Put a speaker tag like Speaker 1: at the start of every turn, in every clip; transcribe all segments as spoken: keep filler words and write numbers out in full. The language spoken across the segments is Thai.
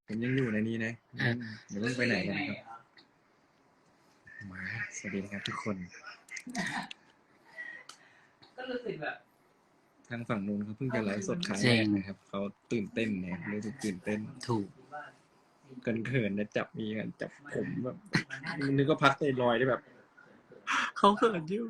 Speaker 1: ผมยังอยู่ในนี้นะเดี๋ยวต้องไปไหนกันนะครับมาสวัสดีนะครับทุกคน
Speaker 2: ก็รู้สึกแบบ
Speaker 1: ทางฝั่งนู้นเขาเพิ่งจะไลฟ์สดครั้งแรกนะครับเขาตื่นเต้นเนี่ยรู้สึกตื่นเต้น
Speaker 3: ถูก
Speaker 1: เกินเขินนะจับมีกันจับผมแบบนึกก็พักใจลอยได้แบบเขาเขินอยู่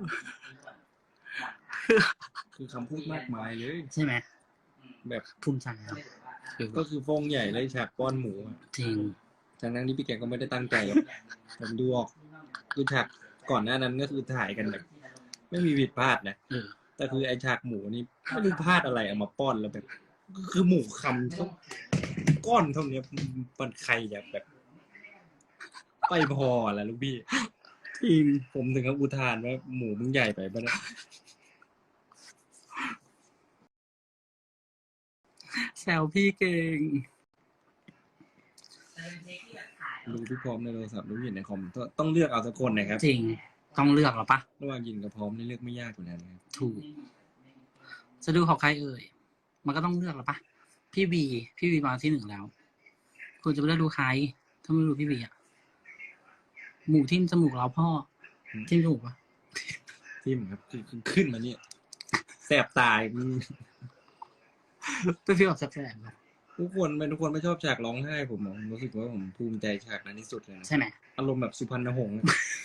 Speaker 1: คือคำพูดมากมายเลย
Speaker 3: ใช่ไหม
Speaker 1: แบบ
Speaker 3: ภูมิใจครับ
Speaker 1: ก็คือฟงใหญ่เลยฉากป้อนหมู
Speaker 3: จริง
Speaker 1: จากนั้นที่พี่แกก็ไม่ได้ตั้งใจหรอกผมดูออกคือฉากก่อนหน้านั้นก็คือถ่ายกันแบบไม่มีผิดพลาดนะแต่คือไอฉากหมูนี่ไม่รู้พลาดอะไรเอามาป้อนแล้วแบบคือหมูคำทุกก้อนเท่านี้มันใครจะแบบไปพออะไรลูกพี่ทีมผมถึงกับอุทานว่าหมูมึงใหญ่ไปป่ะเนี่ย
Speaker 3: แซวพี่เก่ง
Speaker 1: ดูพี่พร้อมในโทรศัพท์ดูเห็นในคอมต้องเลือกเอาสักคนนะครับ
Speaker 3: จริงต้องเลือกหรอปะ
Speaker 1: ระหว่างยินกับพร้อมนี่เลือกไม่ยากอยู่แล้วนะครับ
Speaker 3: ถูกจะดูของใครเอ่ยมันก็ต้องเลือกหรอปะพี่บีพี่บีมาที่หนึ่งแล้วคุณจะไปเลือกดูใครถ้าไม่ดูพี่บีอ่ะหมูทิ่มจมูกเราพ่อทิ่มจมูกปะ
Speaker 1: ทิ่มครับคือขึ้นมาเนี่ยแสบตาย
Speaker 3: เป็นฟีลแบบแสบๆ
Speaker 1: ทุกคนเป็นทุกคนไม่ชอบฉากร้องไห้ผมรู้สึกว่าผมภูมิใจฉากนั้นที่สุดเลยนะ
Speaker 3: ใช่ไหม
Speaker 1: อารมณ์แบบสุพรรณหงษ์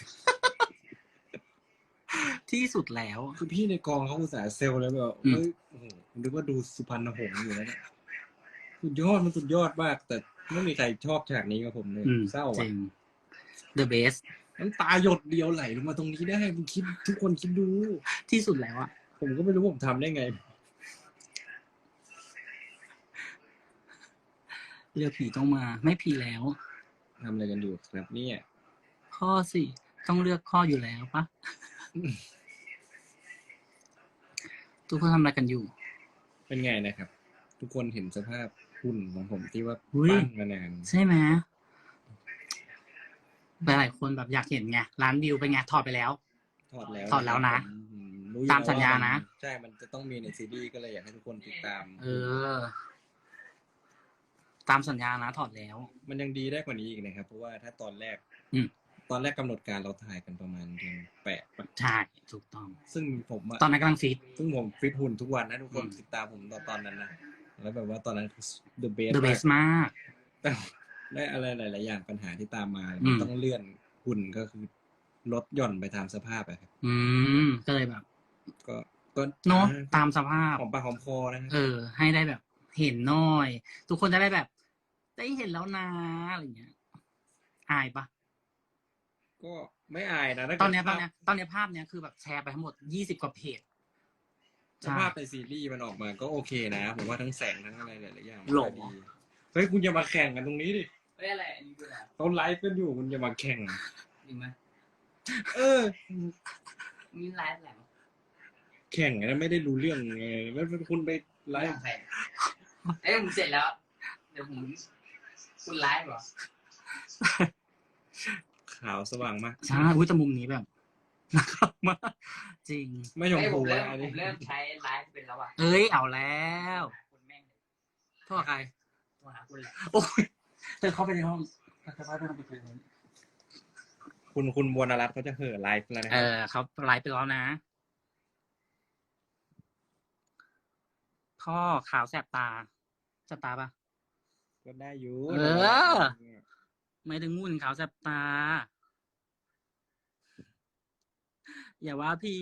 Speaker 3: ที่สุดแล้ว
Speaker 1: คือพี่ในกองเขาอุตส่าห์เซลแล้วแบบเฮ้ยโอ้โหนึกว่าดูสุพรรณหงษ์อยู่แล้วเนี่ยสุดยอดมันสุดยอดมากแต่ไม่มีใครชอบฉากนี้กับผมเลยเศร้า
Speaker 3: จริง The best
Speaker 1: น้ำตาหยดเดียวไหลลงมาตรงนี้ได้มึงคิดทุกคนคิดดู
Speaker 3: ที่สุดแล้วอะ
Speaker 1: ผมก็ไม่รู้ผมทำได้ไง
Speaker 3: เรือผีต้องมาไม่ผีแล้ว
Speaker 1: ทำอะไรกันอยู่ครับเนี่ย
Speaker 3: ข้อสิต้องเลือกข้ออยู่แล้วปะทุกคนทำอะไรกันอยู่
Speaker 1: เป็นไงนะครับทุกคนเห็นสภาพหุ่นของผมที่ว่าปั้นมานาน
Speaker 3: ใช่ไหมหลายคนแบบอยากเห็นไงร้านวิวเป็นไงถอดไปแล้ว
Speaker 1: ถอดแล้ว
Speaker 3: ถอดแล้วนะตามสัญญานะ
Speaker 1: ใช่มันจะต้องมีในซีรีส์ก็เลยอยากให้ทุกคนติดตาม
Speaker 3: เออตามสัญญานะถอดแล้ว
Speaker 1: มันยังดีได้กว่านี้อีกนะครับเพราะว่าถ้าตอนแรก
Speaker 3: อื
Speaker 1: ตอนแรกกำหนดการเราถ่ายกันประมาณเดือนแปด
Speaker 3: ใช่ถูกต้อง
Speaker 1: ซึ่งผม
Speaker 3: ตอนนั้นกำลังฟิต
Speaker 1: ซึ่งผมฟิตหุ่นทุกวันนะทุกคนติดตามผมตอนตอนนั้นนะแล้วแบบว่าตอนนั้น the best
Speaker 3: the best มาก
Speaker 1: แต่ได้อะไรหลายๆอย่างปัญหาที่ตามมามันต้องเลื่อนหุ่นก็คือลดหย่อนไปตามสภาพอะครับ
Speaker 3: อืมก็เลยแบบ
Speaker 1: ก็ก็
Speaker 3: เนาะตามสภาพ
Speaker 1: หอมปากหอมคอนะ
Speaker 3: เออให้ได้แบบเห็นน้อยทุกคนจะได้แบบได้เห็นแล้วนะอะไรเงี้ยอายปะ
Speaker 1: ก็ไม่อายนะ
Speaker 3: ตอนนี้ตอนนี้ตอนนี้ภาพเนี้ยคือแบบแชร์ไปทั้งหมดยี่สิบกว่าเพจ
Speaker 1: ภาพในซีรีส์มันออกมาก็โอเคนะผมว่าทั้งแสงทั้งอะไรหลายๆอย่าง
Speaker 3: หล่อดี
Speaker 1: เฮ้ยคุณอย่ามาแข่งกันตรงนี้ดิ
Speaker 2: เฮ้ยอะไรอันนี้คืออะไร
Speaker 1: เขาไลฟ์กันอยู่คุณอย่ามาแข่ง
Speaker 2: จริงไหม
Speaker 1: เออ
Speaker 2: มีไลฟ์อะไร
Speaker 1: แข่งนะไม่ได้รู้เรื่องไงแล้วคุณไปไลฟ์
Speaker 2: ใครไอ้ผมเสร็จแล้วเดี๋ยวผมคุณไลฟ์เหรอ
Speaker 1: ขาวสว่างมาก
Speaker 3: ใช่อุ้ยแต่มุมนี้แบบนะครับมากจริง
Speaker 1: ไม่ยอมพูด
Speaker 2: แล้วผมเริ่มใช้ไลฟ์เป็นแล้วอ่ะ
Speaker 3: เอ้ยเอาแล้วโทษใคร
Speaker 2: โทรหาคุณแหละ
Speaker 3: โอ้ยเธอเข้าไปในห้องเธอเข้าไปในห้องไปคุยกัน
Speaker 1: คุณคุณวรรณรัตน์เขาจะเห่อไลฟ์แล้วนะ
Speaker 3: เออเขาไลฟ์ไปแล้วนะพ่อขาวแสบตาแสบตาปะ
Speaker 1: ก็ได้อยู่
Speaker 3: เออไม่ถึงมุ่นขาวแสบตาอย่าว่าพี่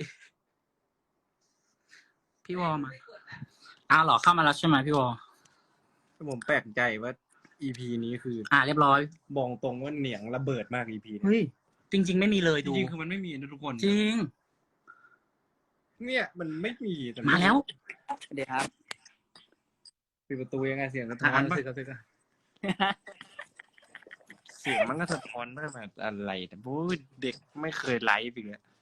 Speaker 3: พี่วอมาอ้าวเหรอเข้ามาแล้วใช่ไหมพี่วอ
Speaker 1: ผมแปลกใจว่า อี พี นี้คือ
Speaker 3: อ่าเรียบร้อย
Speaker 1: บอกตรงว่าเหนียงระเบิดมาก อี พี
Speaker 3: นี้เฮ้ยจริงๆไม่มีเลยดู
Speaker 1: จริงๆคือมันไม่มีนะทุกคน
Speaker 3: จริง
Speaker 1: เนี่ยมันไม่มี
Speaker 3: มาแล้ว
Speaker 2: เดี๋ยวครับ
Speaker 1: ปิดประตูยังไงเสียงสะท้อนป่ะเสียงมันก็สะท้อนมากแบบอะไรแต่บู๊เด็กไม่เคยไลฟ์อีกแล้ว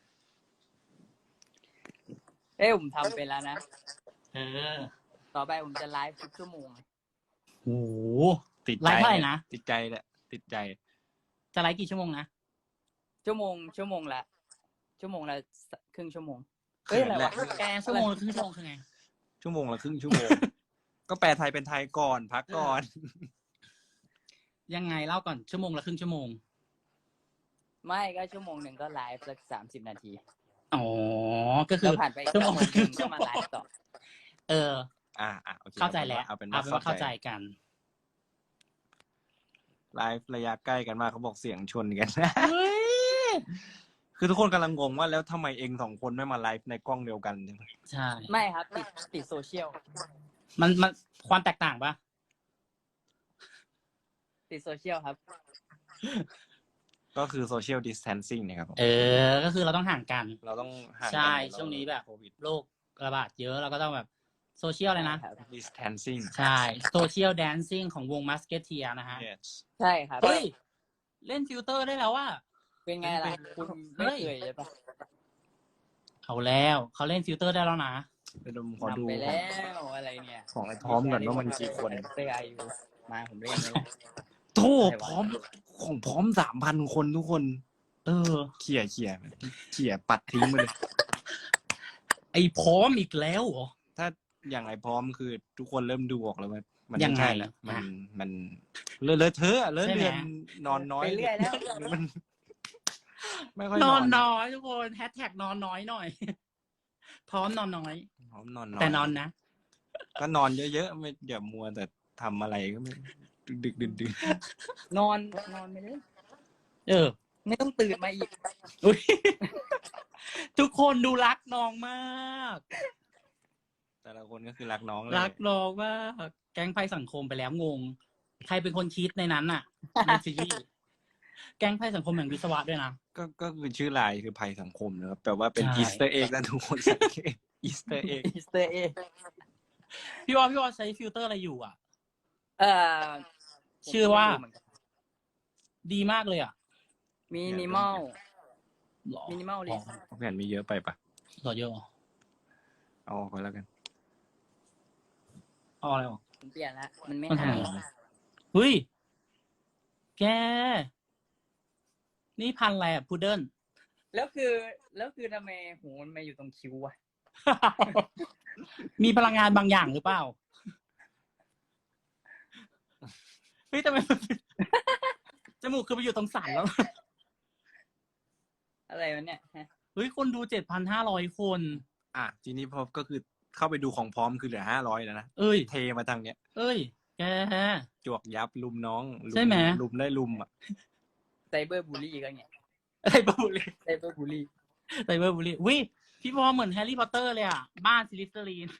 Speaker 2: เอ้ยผมทำไปแล้วนะ
Speaker 3: เออ
Speaker 2: ต่อไปผมจะไลฟ์ทุกชั่วโมง
Speaker 3: โอ้โห
Speaker 1: ติด
Speaker 3: ไลฟ์เท่าไหร่นะ
Speaker 1: ติดใจแหละติดใจ
Speaker 3: จะไลฟ์กี่ชั่วโมงนะ
Speaker 2: ชั่วโมงชั่วโมงละชั่วโมงละครึ่งชั่วโมงเฮ้ยอะไรวะ
Speaker 3: แกชั่วโมงละครึ่งชั่วโมงคือไง
Speaker 1: ชั่วโมงละครึ่งชั่วโมงก็แปลไทยเป็นไทยก่อนพักก่อน
Speaker 3: ยังไงเล่าก่อนชั่วโมงละครึ่งชั่วโมง
Speaker 2: ไม่ก็ชั่วโมงหนึ่งก็ไลฟ์สักสามสิบนาที
Speaker 3: อ๋อ ก็คื
Speaker 2: แล้
Speaker 3: อ
Speaker 2: วผ่านไปอีก
Speaker 3: ชั่ว
Speaker 2: ชั่
Speaker 3: โม
Speaker 2: ว
Speaker 3: ง
Speaker 2: โมงหนึ่งก็มาไลฟ์ต่อ
Speaker 3: เออ
Speaker 1: อ่าอ่าโอเค
Speaker 3: เข้าใจแล้ว
Speaker 1: เอาเป็น
Speaker 3: เอา
Speaker 1: ว่า
Speaker 3: เป็นว่าเข้าใจกัน
Speaker 1: ไลฟ์ระยะใกล้กันมากเขาบอกเสียงชนกัน
Speaker 3: เฮ้ย
Speaker 1: คือทุกคนกำลังงงว่าแล้วทำไมเองสองคนไม่มาไลฟ์ในกล้องเดียวกันใช่ไหม
Speaker 3: ใช่
Speaker 2: ไม่ครับติดติดโซเชียล
Speaker 3: มันมันความแตกต่างปะ
Speaker 2: ติดโซเชียลครับ
Speaker 1: ก็คือ social distancing นะครับผม
Speaker 3: เออ ก็คือเราต้องห่างกัน
Speaker 1: เราต้องห่างกัน
Speaker 3: ใช่
Speaker 1: เรา
Speaker 3: ช่วงนี้แบบ
Speaker 1: โควิด
Speaker 3: โรคระบาดเยอะเราก็ต้องแบบโซเชียลเลยนะ
Speaker 1: distancing
Speaker 3: ใช่โซเชียลแดนซิ่งของวงมัสเกตเทียนะฮะ
Speaker 1: yes
Speaker 2: ใช่ครับ
Speaker 3: เฮ้ย เล่นฟิลเตอร์ได้แล้วว่า
Speaker 2: เป็นไงล่ะ คุณไม่เคยใช่ปะ
Speaker 3: เอาแล้วเขาเล่นฟิลเตอร์ได้แล้วนะ
Speaker 1: ไปดูขอดู
Speaker 2: ทำไปแล้วอะไรเนี่ย
Speaker 1: ของไอ้พร้อมก่อนว่ามันกี่คน
Speaker 2: เตอร์ไอยูมาผมเล่นนี่แหละ
Speaker 1: โทษ
Speaker 2: อะไรวะ
Speaker 1: พร้อมของพร้อมสามพันคนทุกคน
Speaker 3: เออ
Speaker 1: เขี่ยเขี่ยเขี่ยปัดทิ้งไปเลย
Speaker 3: ไอ้พร้อมอีกแล้วเหรอ
Speaker 1: ถ้าอย่างไอ้พร้อมคือทุกคนเริ่มดูออกแล้วว่ามัน
Speaker 3: ยัง
Speaker 1: ไม่
Speaker 3: ไง
Speaker 1: ใช่แล้วมัน
Speaker 3: อ่ะ
Speaker 1: มันเลอะเลอะเทอะเลอะ
Speaker 3: ใช่ไหม
Speaker 1: เลือนนอนน้อย
Speaker 2: ไปเรื่อยแล้ว
Speaker 1: มันไม่ค่อย
Speaker 3: น
Speaker 1: น
Speaker 3: อ
Speaker 1: อน น
Speaker 3: น้อยทุกคนแฮชแท็กนอนน้อยหน่อย พร้อมนอนน้อย
Speaker 1: พร้อมนอนน้อย
Speaker 3: แต่นอนนะ
Speaker 1: ก็นอนเยอะๆไม่อย่ามัวแต่ทำอะไรก็ไม่ดึกดึกดื่น
Speaker 2: นอนนอนไปเลย
Speaker 3: เออ
Speaker 2: ไม่ต้องตื่นมาอีก
Speaker 3: อุ๊ย ทุกคนดูรักน้องมาก
Speaker 1: แต่ละคนก็คือรักน้องเลย
Speaker 3: รักน้องมาก แก๊งภัยสังคมไปแล้วงง ใครเป็นคนคิดในนั้นน่ะ ในซีรีส์แก๊งภัยสังคมแห่งวิศวะด้วยนะ
Speaker 1: ก็ก็คือชื่อลายคือภัยสังคมนะครับแต่ว่าเป็น
Speaker 3: ใช่
Speaker 1: อีสเตอร์เอ็กนะทุกคนสังเกตอีสเตอร์เอ็ก
Speaker 2: อีสเตอร์เอ
Speaker 3: พี่วอพี่วอใช้ฟิลเตอร์อะไรอยู่อ่ะ
Speaker 2: เอ่อ
Speaker 3: ชื่อว่า
Speaker 2: ผมไม่รู้เหมือนกัน
Speaker 3: ดีมากเลยอ่ะ
Speaker 2: มินิมอล
Speaker 3: หรอ
Speaker 2: มินิมอลลิส
Speaker 1: แผ่นมีเยอะไปปะ
Speaker 3: หรอเยอะเหรอ
Speaker 1: เอาออกไปแล้วกัน
Speaker 3: เอาอะไรหรอ
Speaker 2: ผมเปลี่ยนแล้วมันไม่
Speaker 3: มัน
Speaker 2: หา
Speaker 3: หาย
Speaker 2: ย
Speaker 3: เฮ้ย แก นี่พันอะไรอ่ะพุดเดิ้ล
Speaker 2: แล้วคือแล้วคือทำไมหูมันมาอยู่ตรงคิ้ววะ
Speaker 3: มีพลังงานบางอย่างหรือเปล่า เฮ้ยทำไมมัน จมูกคือไปอยู่ตรงสันแล้ว
Speaker 2: อะไรวะเนี่ยฮะ
Speaker 3: เฮ้ย คนดูเจ็ดพันห้าร้อยคน
Speaker 1: อ่ะทีนี้พอก็คือเข้าไปดูของพร้อมคือเหลือห้าร้อยแล้วนะ
Speaker 3: เอ้ย
Speaker 1: เทมาทางเนี้ย
Speaker 3: เอ้ย แก
Speaker 1: จวกยับลุมน้องลุ
Speaker 3: ใช่ไหม
Speaker 1: ลุมได้ลุมอ่ะ
Speaker 2: ไซเบอร์บูลลี่ก็เนี่ย
Speaker 3: ไซเบอร์บูลลี่
Speaker 2: ไซเบอร์บูลลี่
Speaker 3: ไซเบอร์บูลลี่วิพี่พอเหมือนแฮร์รี่พอตเตอร์เลยอ่ะ บ้านซิลิสเตอรีน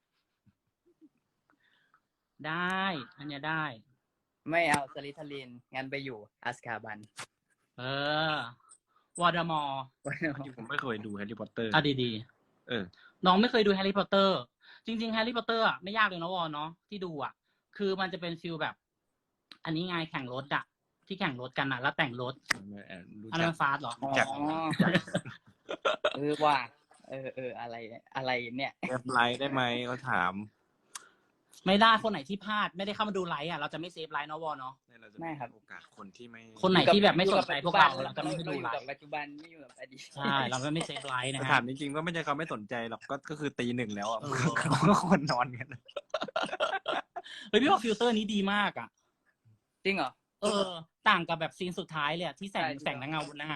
Speaker 3: ได้ อันเนี้ยได้
Speaker 2: ไม่เอาสลิทาลินงั้นไปอยู่อัสคาบัน
Speaker 3: เออ วอร์ดมอร์
Speaker 1: ผมไม่เคยดูแฮร์รี่พอตเตอร์
Speaker 3: อ่ะดี
Speaker 1: เออ
Speaker 3: ๆ น้องไม่เคยดูแฮร์รี่พอตเตอร์ จริงๆแฮร์รี่พอตเตอร์อ่ะไม่ยากเลยนะวอเนาะที่ดูอ่ะ คือมันจะเป็นฟิลแบบ อันนี้ไงแข่งรถอ่ะ ที่แข่งรถกันอ่ะ แล้วแต่งรถ
Speaker 1: รู้
Speaker 3: อัน
Speaker 1: จั
Speaker 3: นั้
Speaker 1: ก
Speaker 3: นฟาสเหรอ
Speaker 2: อ๋อ
Speaker 1: จาก
Speaker 2: เออว่า เออเอออะไรอะไรเนี่ย
Speaker 1: เซฟไลท์ได้ไหมเขาถาม
Speaker 3: ไม่ได้คนไหนที่พลาดไม่ได้เข้ามาดูไลฟ์อ่ะเราจะไม่เซฟไลฟ์เนาะวอเนาะ
Speaker 1: เราจะ
Speaker 2: ไม่ครับ
Speaker 1: โอกาสคนที่ไม่
Speaker 3: คนไหนที่แบบไม่สนใจพวกเรา
Speaker 2: อยู่
Speaker 3: เรา
Speaker 2: กับ
Speaker 3: จะไม่ไปดูไล
Speaker 2: เราอยู่กับ
Speaker 3: ฟ์
Speaker 2: ปัจจุบันไม่อยู่กับอดีต
Speaker 3: ใช่เราไม่เซฟไลฟ์นะ
Speaker 1: แต่
Speaker 3: ฮะ
Speaker 1: ถามจริงๆก็ไม่ใช่เขาไม่สนใจหรอกก็ก็คือตีหนึ่งแล้วอ่ะ
Speaker 3: เออ
Speaker 1: เขาก็ควรนอนกัน
Speaker 3: เฮ้ยพี่ว่าฟิลเตอร์นี้ดีมากอ่ะ
Speaker 2: จริงเหรอ
Speaker 3: เออ ต่างกับแบบซีนสุดท้ายเลยอะที่แสง
Speaker 2: ใช่
Speaker 3: แสงและเงาบนหน้า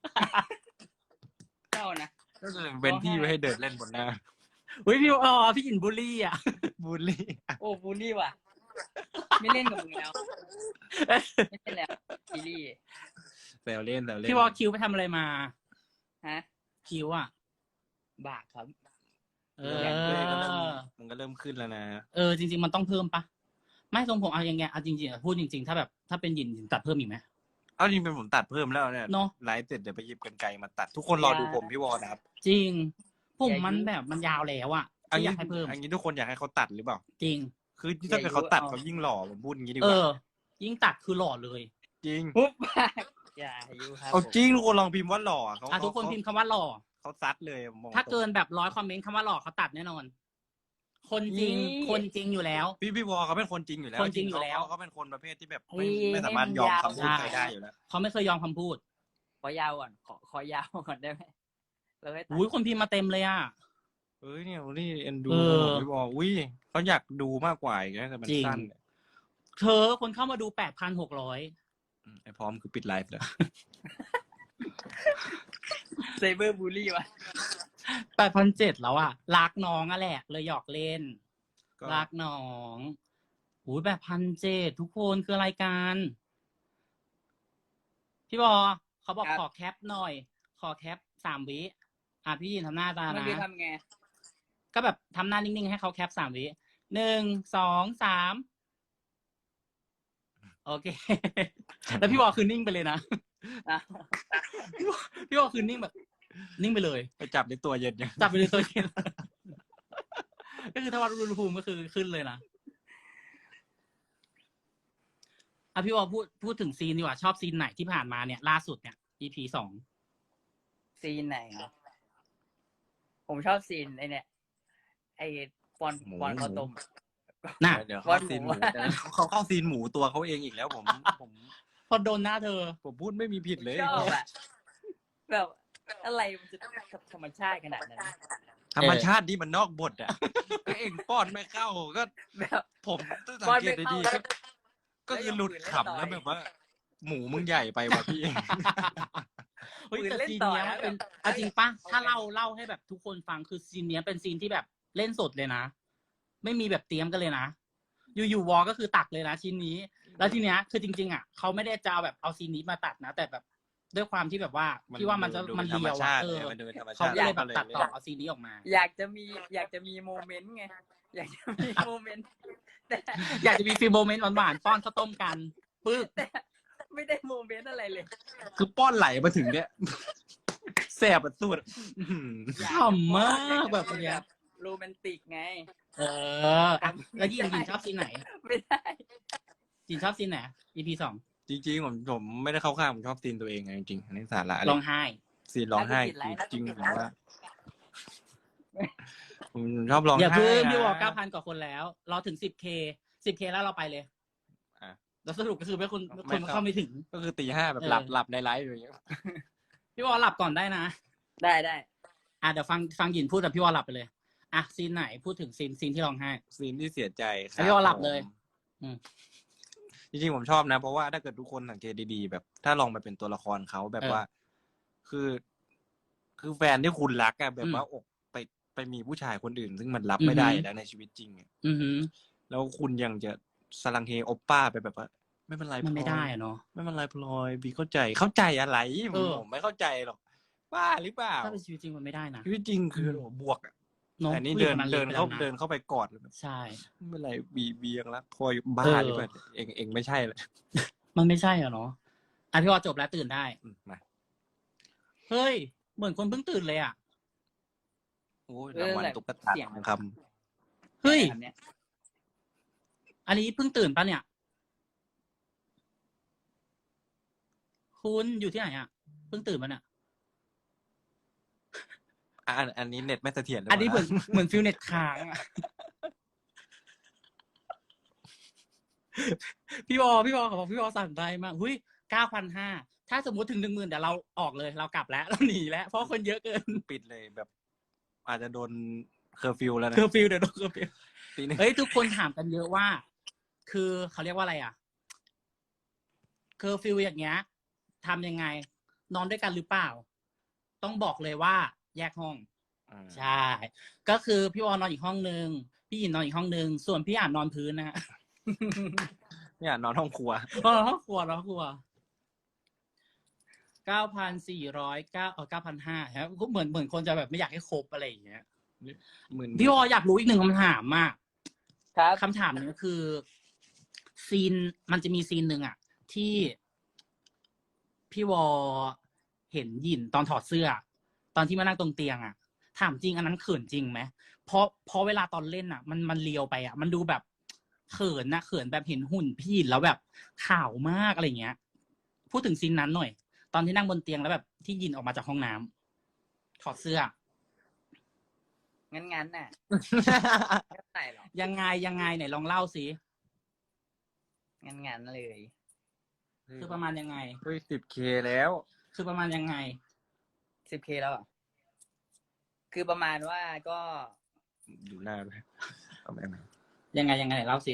Speaker 2: เจ้านะ
Speaker 1: ก็คือเป็นที่ไว้ให้เดินเล่นบนหน้า
Speaker 3: เฮ้ยพี่อ๋อพี่อินบุลลี่อ่ะ
Speaker 1: บูลลี่
Speaker 2: โอ้บูลลี่ว่ะ ไม่เล่นกับมึงแล้ว ไม่เล่นแล้วซีรีส์
Speaker 1: แซวเล่นแซวเล่น
Speaker 3: พี่ว่าคิวไปทำอะไรมา
Speaker 2: ฮะ
Speaker 3: คิวอ่ะ
Speaker 2: บากครับ
Speaker 3: เอ
Speaker 1: เออก็เริ่ม
Speaker 3: อ
Speaker 1: มันก็เริ่มขึ้นแล้วนะ
Speaker 3: เออ จริง ๆ มันต้องเพิ่มปะไม่ทรงผมเอายังไงเอาจริงๆอะพูดจริง ๆ ถ้าแบบถ้าเป็นหยินหยินตัดเพิ่มอีกไหม
Speaker 1: เอาจริงเป็นผมตัดเพิ่มแล้วเนี่ย
Speaker 3: เนอะ
Speaker 1: ไลฟ์เสร็จเดี๋ยวไปหยิบกันไกลมาตัด ทุกคนรอดูผมพี่วอลนะครับ
Speaker 3: จริง ผม
Speaker 2: อย่า
Speaker 3: มัน
Speaker 2: ยุ่ง
Speaker 3: แบบมันยาวแล้วอ่ะ
Speaker 1: อัน
Speaker 3: ที่อ
Speaker 1: นี้
Speaker 3: ยากให้เพิ่ม
Speaker 1: อันนี้ทุกคนอยากให้เขาตัดหรือเปล่า
Speaker 3: จริง
Speaker 1: คือถ้าเกิดเขาตัด
Speaker 2: อย่ายุ่ง
Speaker 1: เขายิ่งหล่อผมพูดอย่างนี้ดีก
Speaker 3: เอ
Speaker 1: ว่า
Speaker 3: อ ยิ่งตัดคือหล่อเลย
Speaker 1: จริง
Speaker 2: ปุ๊บปากอย่าอายุครับ
Speaker 1: เอา
Speaker 2: ผม
Speaker 1: จริงทุกคนลองพิมพ์ว่าหล่อเขา
Speaker 3: อ่ะทุกคนพิมพ์คำว่าหล่อ
Speaker 1: เขาซัดเลยมอง
Speaker 3: ถ้าเกินแบบร้อยคอมเมนต์คำว่าหล่อเขาตัดแน่นอน คนจริง คนจริงอยู่แล้ว
Speaker 1: พี่พี่วอลเขาเป็นคนจริงอยู่แล้ว
Speaker 3: คนจริงอยู่แล้ว
Speaker 1: เขาเขาเป็นคนประเภทที่แบบ
Speaker 2: เฮ้
Speaker 1: ไม่
Speaker 2: ย
Speaker 1: ไม่สามารถยอมคำพูด
Speaker 3: ให้มันยาว
Speaker 1: ใครได้อยู่แล้ว
Speaker 3: เขาไม่เคยยอมคำพูด
Speaker 2: ขอยาวก่อน ขอขอยาวก่อนได้ไหมเราให้ตัด
Speaker 3: อุ้ยคนพิมพ์มาเต็มเลยอ่ะ
Speaker 1: เอ้ยเนี่ยนี่เอ็นดู
Speaker 3: เออ
Speaker 1: พี่วอลอุ้ยเขาอยากดูมากกว่าอีกนะแต่มัน
Speaker 3: จริง
Speaker 1: สั้นเนี่ย
Speaker 3: เธอคนเข้ามาดูแปดพันหกร้อย
Speaker 1: ไอ้พร้อมคือปิดไลฟ์แล้ว
Speaker 2: ไซเบอร์บูลลี่วะ
Speaker 3: แปดพันเจ็ดแล้วอ่ะรักน้องอะแหละเลยหยอกเล่น
Speaker 1: ก็
Speaker 3: รักน้องหูแปดพันเจ็ดทุกคนคือรายการพี่บอเขาบอก
Speaker 2: ครับ
Speaker 3: ขอแคปหน่อย ขอแคปสามวิอ่ะพี่ยินทำหน้าตา
Speaker 2: มัน
Speaker 3: นะ
Speaker 2: คือทำไง
Speaker 3: ก็แบบทำหน้านิ่งๆให้เขาแคปสามวิหนึ่งสองสามโอเค แล้วพี่บอคือนิ่งไปเลยนะ
Speaker 2: อ่ะ
Speaker 3: พี่บอพี่บอคือนิ่งแบบ นิ่งไปเลย
Speaker 1: ไปจับในตัวเย็นยัง
Speaker 3: จับไปเลยตัวเอง ก็คือถ้าวัดอุณหภูมิก็คือขึ้นเลยนะอ่ะพี่บอพูดพูดถึงซีนดีกว่าชอบซีนไหนที่ผ่านมาเนี่ยล่าสุดเนี่ย อี พี สอง
Speaker 2: ซีนไหนครับผมชอบซีนไอเนี่ยไอปอน
Speaker 1: หมู
Speaker 2: ปอนข้าวต้ม
Speaker 3: น่ะ
Speaker 1: เดี๋ยว
Speaker 2: วั
Speaker 1: เข้า
Speaker 2: ดหมู
Speaker 1: ซีนหมูแต่เขาเข้าซีนหมูตัวเขาเองอีกแล้วผมผม
Speaker 3: พอโดนหน้าเธอ
Speaker 1: ผมพูดไม่มีผิดเลย
Speaker 2: ชอบอะแบบอะไรมันจะธรรมชาติขนาดนั้น
Speaker 1: ธรรมชาติที่มันนอกบทอ่ะ ก็เองป้อนไม่เข้าก็
Speaker 2: แบบ
Speaker 1: ผมต้องสั
Speaker 2: ป้อง น
Speaker 1: เก
Speaker 2: ไม่
Speaker 1: ต
Speaker 2: เข้า
Speaker 1: ดีๆก็ก็คือหลุดขำแล้วแบบว่า หมูมึงใหญ่ไปว่ะพี่เอง
Speaker 3: เฮ้ย
Speaker 2: ปืน
Speaker 3: แต่
Speaker 2: เล่น
Speaker 3: ซีน
Speaker 2: ต่อ
Speaker 3: เนี้ยมัน
Speaker 2: นะ
Speaker 3: เป็น
Speaker 2: แบบ
Speaker 3: เอาจริงปะ
Speaker 2: เอา
Speaker 3: ถ้า
Speaker 2: ไง
Speaker 3: เล่าเล่าให้แบบทุกคนฟังคือซีนเนี้ยเป็นซีนที่แบบเล่นสดเลยนะ ไม่มีแบบเตรียมกันเลยนะ อยู่ๆวอก็คือตักเลยนะชิ้นนี้ แล้วทีเนี้ยคือจริงๆอ่ะเขาไม่ได้จะเอาแบบเอาซีนนี้มาตัดนะ แต่แบบด้วยความที่แบบว่าพี่ว่ามันจะ
Speaker 1: ดู
Speaker 3: มัน
Speaker 1: ธรร
Speaker 3: เรี
Speaker 1: ม
Speaker 3: ยว
Speaker 1: ชา
Speaker 3: อ่ะ
Speaker 1: ติ
Speaker 3: เออ
Speaker 1: มันดูเป็นธรรม
Speaker 3: เขา
Speaker 1: ชาติ
Speaker 3: ก็เลยแบบ
Speaker 1: ก็
Speaker 3: ตัดต่อเอาซีนนี้ออกมา
Speaker 2: อยากจะมีอยากจะมีโมเมนต์ไงอยากจะมีโมเมนต์แต่
Speaker 3: อยากจะมีฟีลโมเมนต์หวานๆป้อนข้าวต้มกันปึ๊บ
Speaker 2: แต่ไม่ได้โมเมนต์อะไรเลย
Speaker 1: คือป้อนไหลมาถึงเนี้ย แสบอะสุดอื้อหือ
Speaker 3: ขำมากแบบเนี้ย
Speaker 2: โรแมนติกไง
Speaker 3: เอออ่ะแล้วยินยินชอบซีนไหน
Speaker 2: ไม่ได้
Speaker 3: ยินชอบซีนไหน อี พี สอง
Speaker 1: จริงๆผมผมไม่ได้เข้าข้างผมชอบซีนตัวเองไงจริงๆอันนี้สาระเลย
Speaker 3: ร้องไห้
Speaker 1: ซีนร้องไห้
Speaker 2: น่าจะผิดไลน์
Speaker 1: จริง
Speaker 2: น่า
Speaker 1: ๆ
Speaker 2: จะ
Speaker 1: ผ
Speaker 2: ผิดไลน์
Speaker 1: มว่าผมชอบร้อง
Speaker 3: อย่า
Speaker 1: ไห้
Speaker 3: เพิ่ง
Speaker 1: นะ
Speaker 3: พี่วอเก้าพันกว่าคนแล้ว เราถึงสิบเคสิบเคแล้วเราไปเลย
Speaker 1: อ่ะ
Speaker 3: แล้วสรุปก็คือไม่คน
Speaker 1: ไม่
Speaker 3: คน
Speaker 1: เข้า
Speaker 3: เข้าไม่ถึง
Speaker 1: ก็คือตีห้าแบบ
Speaker 3: เออ
Speaker 1: หลับหลับในไลฟ์อย่างเงี้ย
Speaker 3: พี่วอหลับก่อนได้นะ
Speaker 2: ได้ได้
Speaker 3: อ่ะเดี๋ยวฟังฟังหยินพูดแต่พี่วอหลับไปเลย อ่ะซีนไหนพูดถึงซีนซีนที่ร้องไห้
Speaker 1: ซีนที่เสียใจครั
Speaker 3: ให้พี่วอหลับเลย
Speaker 1: ผม
Speaker 3: อืม
Speaker 1: จริงๆผมชอบนะ เพราะว่าถ้าเกิดทุกคนสังเกตดีๆ แบบ ถ้าลองไปเป็นตัวละครเขาแบบว่า คือ คือแฟนที่คุณรักอะแบบว่าอกไปไปมีผู้ชายคนอื่น ซึ่งมันรับไม่ได้แล้วในชีวิตจริงอะ
Speaker 3: อือหือ
Speaker 1: แล้วคุณยังจะสลังเฮโอปป้าไปแบบว่า ไม่เป็นไร
Speaker 3: มันไม่
Speaker 1: พลอย
Speaker 3: ได้อะเนาะ
Speaker 1: ไม่เป็นไรพลอยบีเข้าใจเข้าใจอะไรผ
Speaker 3: เอ
Speaker 1: ม
Speaker 3: อ
Speaker 1: ผมไม่เข้าใจหรอกบ้าหรือเปล่า
Speaker 3: ถ้าเป็นชีวิตจริงมันไม่ได้นะ
Speaker 1: ชีวิตจริงคือ
Speaker 3: อืม
Speaker 1: โอ้โหบวกอะ
Speaker 3: เนาะ
Speaker 1: แต่นี่
Speaker 3: ผู้หญิ
Speaker 1: เดิ
Speaker 3: ง
Speaker 1: น
Speaker 3: คนนั้น
Speaker 1: เดิน
Speaker 3: ไป
Speaker 1: เข้า
Speaker 3: แล้วะ
Speaker 1: เดินเข้าไปกอดเลยแบบ
Speaker 3: ใช่
Speaker 1: ไม่เป็นไรบีบียังรักพลอยบ้า
Speaker 3: เออ
Speaker 1: หรือเปล่าเองเองไม่ใช่เลย
Speaker 3: มันไม่ใช่อะเนาะอ่ะพี่วอจบแล้วตื่นได้
Speaker 1: อืมมา
Speaker 3: เฮ้ย เหมือนคนเพิ่งตื่นเลยอ่ะ
Speaker 1: โอ้ย
Speaker 2: เออ
Speaker 1: รางวัล
Speaker 2: แบบ
Speaker 1: ตุ๊กตา
Speaker 2: เสียง
Speaker 1: ทองค
Speaker 3: เฮ้ย
Speaker 2: แบบเนี้ย
Speaker 3: อันนี้เพิ่งตื่นปะเนี่ย คุณอยู่ที่ไหนอ่ะ เพิ่งตื่นปะเนี่ย
Speaker 1: ำอ่ะอันอันนี้เน็ตไม่เสถียรหรื
Speaker 3: อันนี้เหมือน
Speaker 1: ปล่า
Speaker 3: เหมือนฟิลเน็ตค้างอ่ะ พี่วอพี่วอขอพี่วอสั่งได้มากหุ้ยเก้าพันห้าถ้าสมมติถึงหนึ่งหมื่นเดี๋ยวเราออกเลย เรากลับแล้ว เราหนีแล้ว เพราะคนเยอะเกิน
Speaker 1: ปิดเลยแบบ อาจจะโดนเคอร์ฟิวแล้วนะ
Speaker 3: เคอร์ฟิวเดี๋ยวโดนเคอร์ฟิว
Speaker 1: ตีหนึง
Speaker 3: เฮ้ยทุกคนถามกันเยอะว่า คือเขาเรียกว่าอะไรอ่ะ เคอร์ฟิวอย่างเงี้ยทำยังไง นอนด้วยกันหรือเปล่า ต้องบอกเลยว่า แยกห้อง
Speaker 1: อ่า
Speaker 3: ใช่ ก็คือพี่วอนอนอีกห้องนึง พี่หยินนอนอีกห้องนึง ส่วนพี่อ่านนอนพื้นนะฮะ
Speaker 1: เนี่ยนอนห้องครัว
Speaker 3: นอนห้องครัวนอนห้องครัวเก้าพันสี่ร้อยเก้าเออเก้าพันห้าครับก็เหมือนเหมือนคนจะแบบไม่อยากให้ครบอะไรอย่างเงี้ย
Speaker 1: หมื่น
Speaker 3: พี่วออยากรู้อีกหนึ่งคำถามมาก
Speaker 2: ครับ
Speaker 3: คำถามนี้ก็คือ ซีนมันจะมีซีนหนึ่งอ่ะ ที่พี่วอเห็นหยินตอนถอดเสื้อ ตอนที่มานั่งตรงเตียงอ่ะ ถามจริงอันนั้นเขินจริงไหมเพราะเพราะเวลาตอนเล่นอ่ะ มันมันเลียวไปอ่ะ มันดูแบบเขินนะเขินแบบเห็นหุ่นพี่หยินแล้วแบบขาวมากอะไรเงี้ย พูดถึงซีนนั้นหน่อย ตอนที่นั่งบนเตียงแล้วแบบที่หยินออกมาจากห้องน้ำถอดเสื้อ
Speaker 2: งั้นงั้นน่ะไม่ใส่หรอก
Speaker 3: ยังไงยังไงไหนลองเล่าสิ
Speaker 2: งั้นงั้นเลย
Speaker 3: คือประมาณยังไง
Speaker 1: เฮ้ยสิบเคแล้ว
Speaker 3: คือประมาณยังไง
Speaker 2: สิบเคแล้วเหรอคือประมาณว่าก็
Speaker 1: อยู่หน้าด้วยเอาไปไหม
Speaker 3: ยังไงยังไงไหนเล่าสิ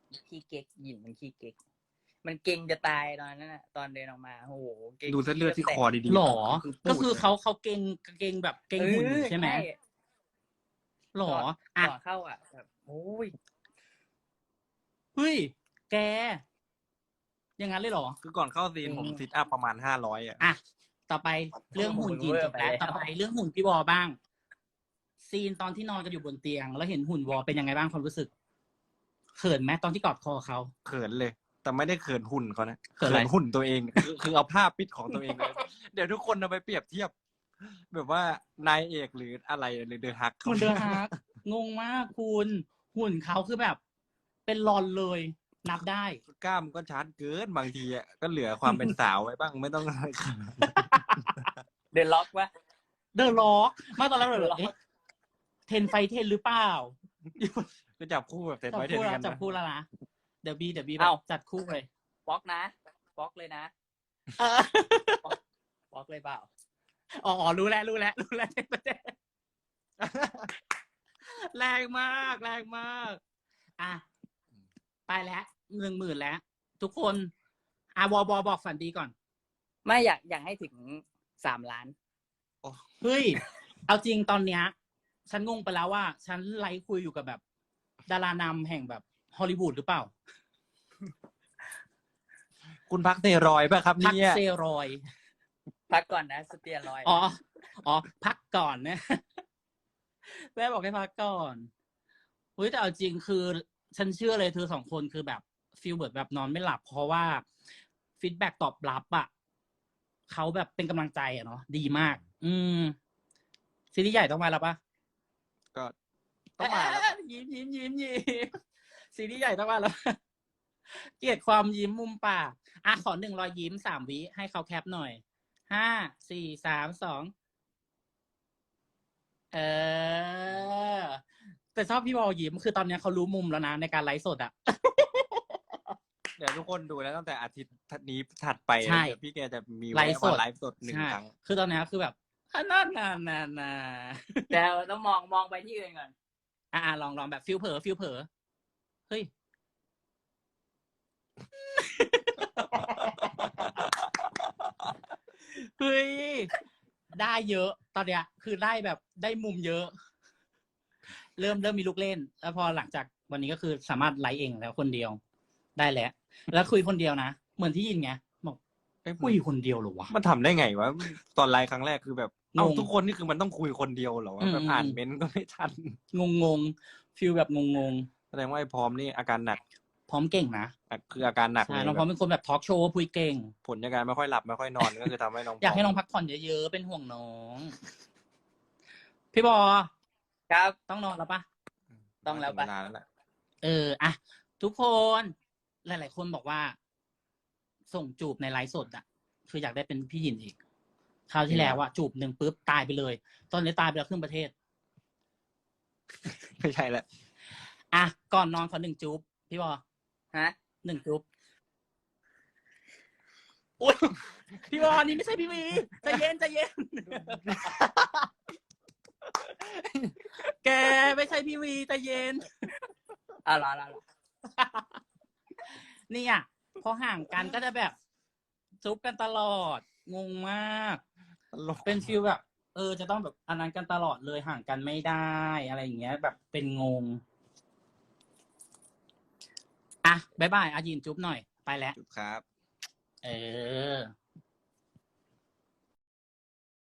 Speaker 2: ขี้เก๊กหยินมันขี้เก๊กมันเก่งจะตายตอนนั้นน่ะตอนเดินออกมาโอ้โหเก่ง
Speaker 1: ดูเส้นเลือดที่คอดีๆ
Speaker 3: หรอ
Speaker 1: คือ
Speaker 3: ก็
Speaker 1: ปูด
Speaker 3: คือเขาเขาเก่งเก่งแบบเก่งหุ่นอยู่ใช่ไหมหรอ อ่ะ
Speaker 2: ก่อนเข้าอ่ะแบบโอ้ย
Speaker 3: เฮ้ย แก อย่างนั้นเลยเหรอ
Speaker 1: คือก่อนเข้าซีนผมซิทอัพประมาณห้าร้อยอ่ะ
Speaker 3: อ่ะ ต่อไปเรื่องหุ่นยินจบแล้วต่อไปเรื่องหุ่นพี่วอบ้าง ซีนตอนที่นอนกันอยู่บนเตียง แล้วเห็นหุ่นวอเป็นยังไงบ้างความรู้สึก เขินไหมตอนที่กอดคอเขา
Speaker 1: เขินเลย แต่ไม่ได้เขินหุ่นเขานะ
Speaker 3: เขินอะไร
Speaker 1: หุ่นตัวเอง คือคือเอาภาพปิดของตัวเองเลย เดี๋ยวทุกคนเอาไปเปรียบเทียบ แบบว่านายเอกหรืออะไรหรือเดอะฮัก
Speaker 3: มันเดอฮาร์กงงมากคุณหุ่นเขาคือแบบ เป็นรอนเลย นับได้
Speaker 1: กล้ามก็ชัดเกินบางทีอ่ะก็เหลือความเป็นสาวไว้บ้างไม่ต้องอะไรขนาดนั้น
Speaker 2: เดินล็อกวะ
Speaker 3: เดอะล็อกมาตอนแรกเลยเอ๊ะเทนไฟเทนหรือเปล่า
Speaker 1: ก็จับคู่แบบเต็ม
Speaker 3: จับ
Speaker 1: ไว้เต็ม
Speaker 3: คู่แล้ว
Speaker 1: กัน
Speaker 3: จับ
Speaker 1: นะ
Speaker 3: คู่แล้วนะเดี๋ยวบีเดี๋ยวบีแบ
Speaker 2: เอ้า
Speaker 3: บจัดคู่เลย
Speaker 2: บล็อกนะบล็อกเลยนะ
Speaker 3: เออบ
Speaker 2: ล็อกเลยเปล่า
Speaker 3: อ๋ออ๋อรู้แล้วรู้แล้วรู้แล้ว แรงมากแรงมาก อ่ะ ไปแล้วหนึ่งหมื่นแล้ว ทุกคนอ่ะวอบอบอกฝันดีก่อน
Speaker 2: ไม่อยากอยากให้ถึงสามล้าน
Speaker 3: เฮ้ย เอาจริงตอนเนี้ย ฉันงงไปแล้วว่า ฉันไลฟ์คุยอยู่กับแบบ ดารานำแห่งแบบฮอลลีวูดหรือเปล่า
Speaker 1: คุณพักเตรอยด์ป่ะครับ
Speaker 3: พัก
Speaker 1: เนี่ย
Speaker 3: เซรอยด์
Speaker 2: พักก่อนนะสเตียรอยด์
Speaker 3: อ๋อ อ๋อ พักก่อนนะ แม่บอกให้พักก่อนเฮ้ยแต่เอาจริงคือฉันเชื่อเลยเธอสองคนคือแบบฟีลเบิร์ดแบบนอนไม่หลับ เพราะว่าฟีดแบ็กตอบรับอ่ะเขาแบบเป็นกำลังใจอ่ะเนาะดีมาก อืมซีรีส์ใหญ่ต้องมาแล้วปะ
Speaker 1: ก็ต้องมาแล้ว
Speaker 3: เอ๊ะยิ้มยิ้มยิ้มยิ้มซีรีส์ใหญ่ต้องมาแล้ว เกลียดความยิ้มมุมปากอ่ะขอหนึ่งรอยยิ้มสามวิให้เขาแคปหน่อยห้าสี่สามสองเออ แต่ชอบพี่บอลยิ้มคือตอนนี้เขารู้มุมแล้วนะในการไลฟ์สดอ่ะ
Speaker 1: เดี๋ยวทุกคนดูแล้วตั้งแต่อาทิตย์นี้ถัดไป
Speaker 3: ใช่
Speaker 1: เดี๋ยวพี่แกจะมี
Speaker 3: ไลฟ์สด
Speaker 1: ไลฟ์สดหนึ่ง
Speaker 3: ใช่
Speaker 1: ครั้ง
Speaker 3: คือตอนนี้คือแบบอ่ะน่านานานา
Speaker 2: แต่เราต้องมองมองไปที่อื่นก่อน
Speaker 3: อ่ะลองลองแบบฟิลเผลอฟิลเผลอเฮ้ย เฮ้ย ได้เยอะ ตอนเนี้ย คือได้แบบได้มุมเยอะ เริ่มเริ่มมีลูกเล่น แล้วพอหลังจากวันนี้ก็คือสามารถไลฟ์เองแล้วคนเดียว ได้แล้ว แล้วคุยคนเดียวนะ เหมือนที่ยินไงบอก
Speaker 1: เอ้ย
Speaker 3: คุยคนเดียวเหรอวะ
Speaker 1: มันทำได้ไงวะตอนไลฟ์ครั้งแรกคือแบบเอ้าง
Speaker 3: ง
Speaker 1: ทุกคนนี่คือมันต้องคุยคนเดียวเหรอวะ
Speaker 3: อืม
Speaker 1: แบบอ่านเม้นต์ก็ไม่ทัน
Speaker 3: งงงฟิลแบบงงง
Speaker 1: แสดงว่าไอ้พร้อมนี่อาการหนัก
Speaker 3: ๆพร้อมเก่งนะ
Speaker 1: อ่ะคืออาการหนักเล
Speaker 3: ใช่
Speaker 1: ย
Speaker 3: น้องพร้อม
Speaker 1: แบบ
Speaker 3: เป็นคนแบบทอล์กโชว์คุยเก่ง
Speaker 1: ผลจากการไม่ค่อยหลับไม่ค่อยนอนก็คือทำให้น้อง
Speaker 3: อยากให้น้องพักผ่อนเยอะๆ เป็นห่วงน้อง พี่บอ
Speaker 2: ครับ
Speaker 3: ต้องนอนแล้วปะ
Speaker 2: ต้องแล้ว
Speaker 1: ถึ
Speaker 2: ปะ
Speaker 1: เวลาแล้วแหละ
Speaker 3: เอออะทุกคน หลายๆคนบอกว่า ส่งจูบในไลฟ์สดอะคืออยากได้เป็นพี่หยินอีก คราวที่แล้วอะจูบหนึ่งปุ๊บตายไปเลย ตอนนี้ตายไปแล้วครึ่งประเทศ
Speaker 1: ไม่ใช่แล้ว
Speaker 3: อ่ะ ก่อนนอนขอหนึ่งจูบพี่บอ
Speaker 2: ฮะ
Speaker 3: หนึ่งจูบอุ๊ยพี่บอนี่ไม่ใช่พี่วีใจเย็นใจเย็น แกไม่ใช่พี่วีใจเย็น
Speaker 2: อ่ะรอรอรอ
Speaker 3: นี่อ่ะพอห่างกันก็จะแบบซุบกันตลอด งงมาก
Speaker 1: ตลก
Speaker 3: เป็นฟิลแบบ เออ จะต้องแบบอันนั้นกันตลอดเลยห่างกันไม่ได้อะไรอย่างเงี้ย แบบเป็นงง อ่ะบายบายอายินจุ๊บหน่อย ไปแล้ว
Speaker 1: จุดครับ
Speaker 3: เออ